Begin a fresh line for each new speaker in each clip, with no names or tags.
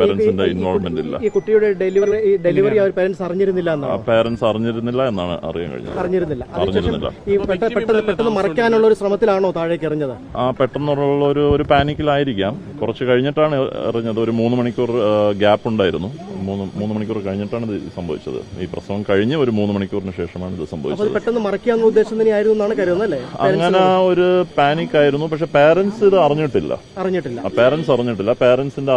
പേരൻസിന്റെ involvement ഇല്ല.
ഈ കുട്ടിയുടെ ഡെലിവറി പേരൻസ് അറിഞ്ഞിരുന്നില്ല
എന്നാണ് അറിയാൻ കഴിഞ്ഞത്.
അറിഞ്ഞിരുന്നില്ല. ഈ പെട്ടെന്ന് മറയ്ക്കാനുള്ള ഒരു ശ്രമത്തിലാണോ താഴേക്ക് എറിഞ്ഞത്?
പെട്ടെന്നുള്ള ഒരു പാനിക്കിലായിരിക്കാം. കുറച്ച് കഴിഞ്ഞിട്ടാണ് എറിഞ്ഞത്. ഒരു 3 മണിക്കൂർ ഗ്യാപ്പ് ഉണ്ടായിരുന്നു. 3 മണിക്കൂർ കഴിഞ്ഞിട്ടാണ് ഇത് സംഭവിച്ചത്. ഈ പ്രസവം കഴിഞ്ഞ് ഒരു 3 മണിക്കൂറിന് ശേഷമാണ് ഇത് സംഭവിച്ചത്.
പെട്ടെന്ന് മറയ്ക്കാനുള്ള ഉദ്ദേശം തന്നെയായിരുന്നു എന്നാണ് കരുതുന്നത് അല്ലേ?
അങ്ങനെ ഒരു പാനിക് ആയിരുന്നു. പക്ഷെ പാരന്റ്സ് ഇത് അറിഞ്ഞിട്ടില്ല. പാരന്റ്സ് അറിഞ്ഞിട്ടില്ല. പാരന്റ്സിന്റെ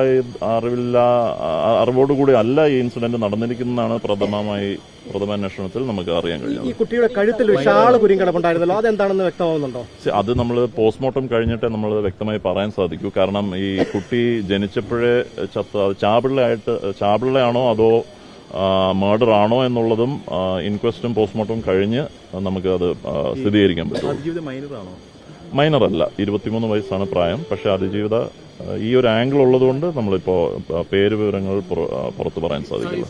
അറിവോടുകൂടി അല്ല ഈ ഇൻസിഡന്റ് നടന്നിരിക്കുന്നതാണ് പ്രഥമ അന്വേഷണത്തിൽ നമുക്ക് അറിയാൻ കഴിഞ്ഞത്.
ഈ കുട്ടിയുടെ കഴുത്തിൽ ഒരു ഷാള് കുരുങ്ങിടപ്പുണ്ടായിരുന്നല്ലോ, അതെന്താണെന്ന് വ്യക്തമാവുന്നുണ്ടോ?
അത് നമ്മൾ പോസ്റ്റ്മോർട്ടം കഴിഞ്ഞിട്ടേ നമ്മൾ വ്യക്തമായി പറയാൻ സാധിക്കൂ. കാരണം ഈ കുട്ടി ജനിച്ചപ്പോഴേ ചാപിള്ളയാണോ അതോ മർഡർ ആണോ എന്നുള്ളതും ഇൻക്വസ്റ്റും പോസ്റ്റ്മോർട്ടം കഴിഞ്ഞ് നമുക്ക് അത് സ്ഥിരീകരിക്കാൻ പറ്റും. മൈനർ അല്ല, 23 വയസ്സാണ് പ്രായം. പക്ഷെ അതിജീവിത ഈ ഒരു ആംഗിൾ ഉള്ളതുകൊണ്ട് നമ്മളിപ്പോ പേര് വിവരങ്ങൾ പുറത്തു പറയാൻ സാധിക്കില്ല.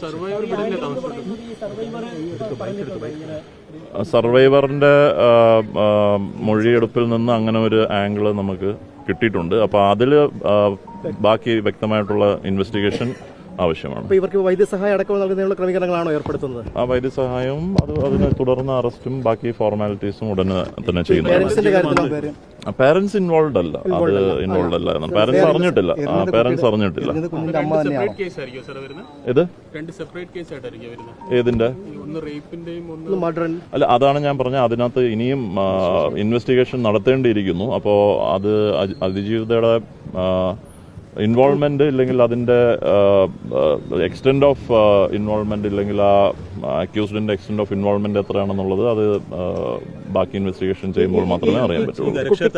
സർവൈവറിന്റെ മൊഴിയെടുപ്പിൽ നിന്ന് അങ്ങനെ ഒരു ആംഗിൾ നമുക്ക് കിട്ടിയിട്ടുണ്ട്. അപ്പൊ അതില് ബാക്കി വ്യക്തമായിട്ടുള്ള ഇൻവെസ്റ്റിഗേഷൻ ആവശ്യമാണ്.
ഇവർക്ക് വൈദ്യസഹായം അടക്കം നൽകുന്നതിനുള്ള ക്രമീകരണങ്ങളാണോ ഏർപ്പെടുത്തുന്നത്?
ആ വൈദ്യസഹായവും അതിനെ തുടർന്ന് അറസ്റ്റും ബാക്കി ഫോർമാലിറ്റീസും ഉടനെ തന്നെ ചെയ്യുന്നത്. പാരന്റ്സ് ഇൻവോൾവ് അല്ല. പാരന്റ്സ് അറിഞ്ഞിട്ടില്ല. ഏതിന്റെ അല്ല, അതാണ് ഞാൻ പറഞ്ഞ. അതിനകത്ത് ഇനിയും ഇൻവെസ്റ്റിഗേഷൻ നടത്തേണ്ടിയിരിക്കുന്നു. അപ്പോ അത് അതിജീവിതയുടെ ഇൻവോൾവ്മെന്റ് ഇല്ലെങ്കിൽ അതിന്റെ എക്സ്റ്റെൻഡ് ഓഫ് ഇൻവോൾവ്മെന്റ് ഇല്ലെങ്കിൽ ആ അക്യൂസ്ഡിന്റെ എക്സ്റ്റെൻഡ് ഓഫ് ഇൻവോൾവ്മെന്റ് എത്രയാണെന്നുള്ളത് അത് ബാക്കി ഇൻവെസ്റ്റിഗേഷൻ ചെയ്യുമ്പോൾ മാത്രമേ അറിയാൻ പറ്റുള്ളൂ.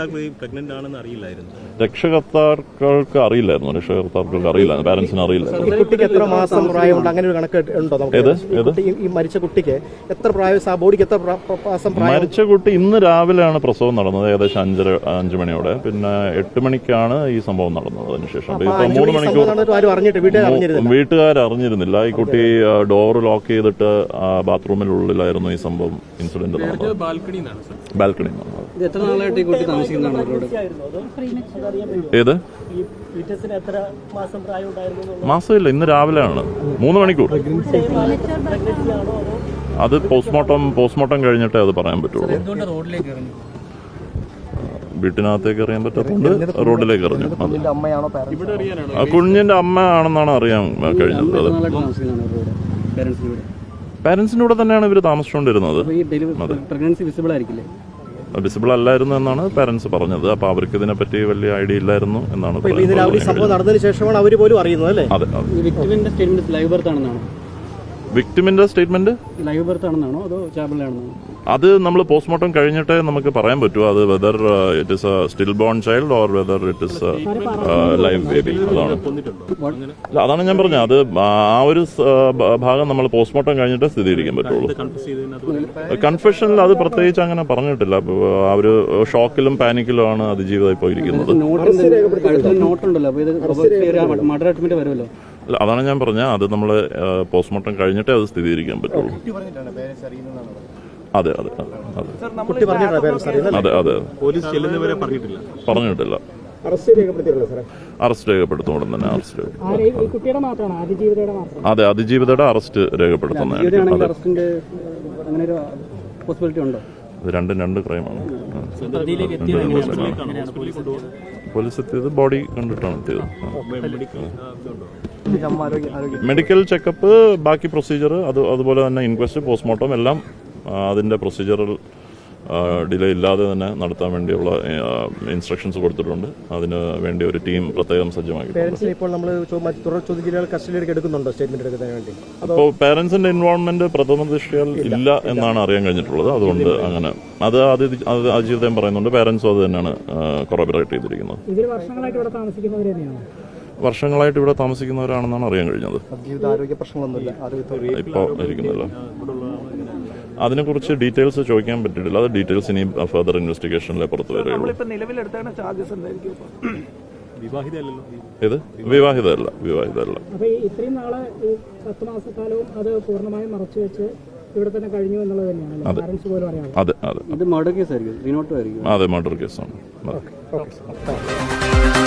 രക്ഷകർത്താക്കൾക്ക് അറിയില്ലായിരുന്നു. പാരന്റ്സിന് അറിയില്ലായിരുന്നു.
കുട്ടിക്ക് എത്ര മാസം പ്രായമുണ്ട്? അങ്ങനെ ഒരു കണക്ക് ഉണ്ടോ? ഈ മരിച്ച കുട്ടിക്ക് എത്ര പ്രായം? ബോഡിക്ക് എത്ര മാസം പ്രായം?
മരിച്ച കുട്ടി ഇന്ന് രാവിലെയാണ് പ്രസവം നടന്നത്, ഏകദേശം 5 മണിയോടെ. പിന്നെ 8 മണിക്കാണ് ഈ സംഭവം നടന്നത്. അതിനുശേഷം 3 മണിക്കൂർ വീട്ടുകാർ അറിഞ്ഞിരുന്നില്ല. ഈ കുട്ടി ഡോർ ലോക്ക് ചെയ്തിട്ട് ബാത്റൂമിനുള്ളിലായിരുന്നു ഈ സംഭവം, ഇൻസിഡന്റ് നടന്നത്. ബാൽക്കണി. ഏത് മാസമില്ല, ഇന്ന് രാവിലെയാണ്. 3 മണിക്കൂർ. അത് പോസ്റ്റ്മോർട്ടം കഴിഞ്ഞിട്ടേ അത് പറയാൻ പറ്റുള്ളൂ. വീട്ടിനകത്തേക്ക് അറിയാൻ പറ്റാത്തതുകൊണ്ട് റോഡിലേക്ക് എറിഞ്ഞു. കുഞ്ഞിന്റെ അമ്മ ആണെന്നാണ് അറിയാൻ കഴിഞ്ഞത്. പാരന്റ്സിന്റെ കൂടെ തന്നെയാണ് ഇവർ താമസിച്ചുകൊണ്ടിരുന്നത്. വിസിബിൾ അല്ലായിരുന്നു എന്നാണ് പാരന്റ്സ് പറഞ്ഞത്. അപ്പൊ അവർക്ക് ഇതിനെപ്പറ്റി വലിയ ഐഡിയ ഇല്ലായിരുന്നു എന്നാണ്
നടന്നതിന് ശേഷമാണ് അവർ പോലും അറിയുന്നത് അല്ലേ?
അതെ. വിക്ടിമിന്റെ സ്റ്റേറ്റ്മെന്റ്
ലൈവ് ബർത്ത് ആണെന്നാണോ അതോ ചാബിളാണെന്നോ?
അത് നമ്മൾ പോസ്റ്റ്മോർട്ടം കഴിഞ്ഞിട്ടേ നമുക്ക് പറയാൻ പറ്റൂ. അത് whether it is a still born child or whether it is live baby. അതാണ് ഞാൻ പറഞ്ഞത്. അത് ആ ഒരു ഭാഗം നമ്മൾ പോസ്റ്റ്മോർട്ടം കഴിഞ്ഞിട്ടേ സ്ഥിരീകരിക്കാൻ പറ്റുള്ളൂ. കൺഫെഷനിൽ അത് പ്രത്യേകിച്ച് അങ്ങനെ പറഞ്ഞിട്ടില്ല. ആ ഒരു ഷോക്കിലും പാനിക്കിലും ആണ് അതിജീവിത ഇപ്പോൾ ഇരിക്കുന്നത്. അതാണ് ഞാൻ പറഞ്ഞത്. അത് നമ്മൾ പോസ്റ്റ്മോർട്ടം കഴിഞ്ഞിട്ടേ അത് സ്ഥിരീകരിക്കാൻ പറ്റുള്ളൂ. അതെ. പറഞ്ഞിട്ടില്ല. അറസ്റ്റ് രേഖപ്പെടുത്തും ഉടൻ തന്നെ. അതെ, അതിജീവിതയുടെ അറസ്റ്റ് രേഖപ്പെടുത്തുന്നതായിരിക്കും. രണ്ട് ക്രൈമാണ്. പോലീസ് എത്തിയത് ബോഡി കണ്ടിട്ടാണ് എത്തിയത്. മെഡിക്കൽ ചെക്കപ്പ്, ബാക്കി പ്രൊസീജിയർ, അതുപോലെ തന്നെ ഇൻക്വസ്റ്റ്, പോസ്റ്റ്മോർട്ടം എല്ലാം അതിന്റെ പ്രൊസീജിയറൽ ഡിലേ ഇല്ലാതെ തന്നെ നടത്താൻ വേണ്ടിയുള്ള ഇൻസ്ട്രക്ഷൻസ് കൊടുത്തിട്ടുണ്ട്. അതിന് വേണ്ടി ഒരു ടീം പ്രത്യേകം സജ്ജമാക്കി. അപ്പോൾ പാരന്റ്സിന്റെ ഇൻവോൾവ്മെന്റ് പ്രഥമ ദൃഷ്ടിയാൽ ഇല്ല എന്നാണ് അറിയാൻ കഴിഞ്ഞിട്ടുള്ളത്. അതുകൊണ്ട് അങ്ങനെ അത് അജിതയും പറയുന്നുണ്ട്. പാരന്റ്സും അത് തന്നെയാണ് കൊറോബറേറ്റ് ചെയ്തിരിക്കുന്നത്. വർഷങ്ങളായിട്ട് ഇവിടെ താമസിക്കുന്നവരാണെന്നാണ് അറിയാൻ കഴിഞ്ഞത്. ഇപ്പോൾ ഇരിക്കുന്നില്ല. അതിനെക്കുറിച്ച് ഡീറ്റെയിൽസ് ചോദിക്കാൻ പറ്റിയിട്ടില്ല. അത് ഡീറ്റെയിൽസ് ഇനി ഫർദർ ഇൻവെസ്റ്റിഗേഷനിലെ പുറത്തു വരികയുള്ളൂ. ഇത് വിവാഹിതല്ല. അതെ, മർഡർ കേസാണ്.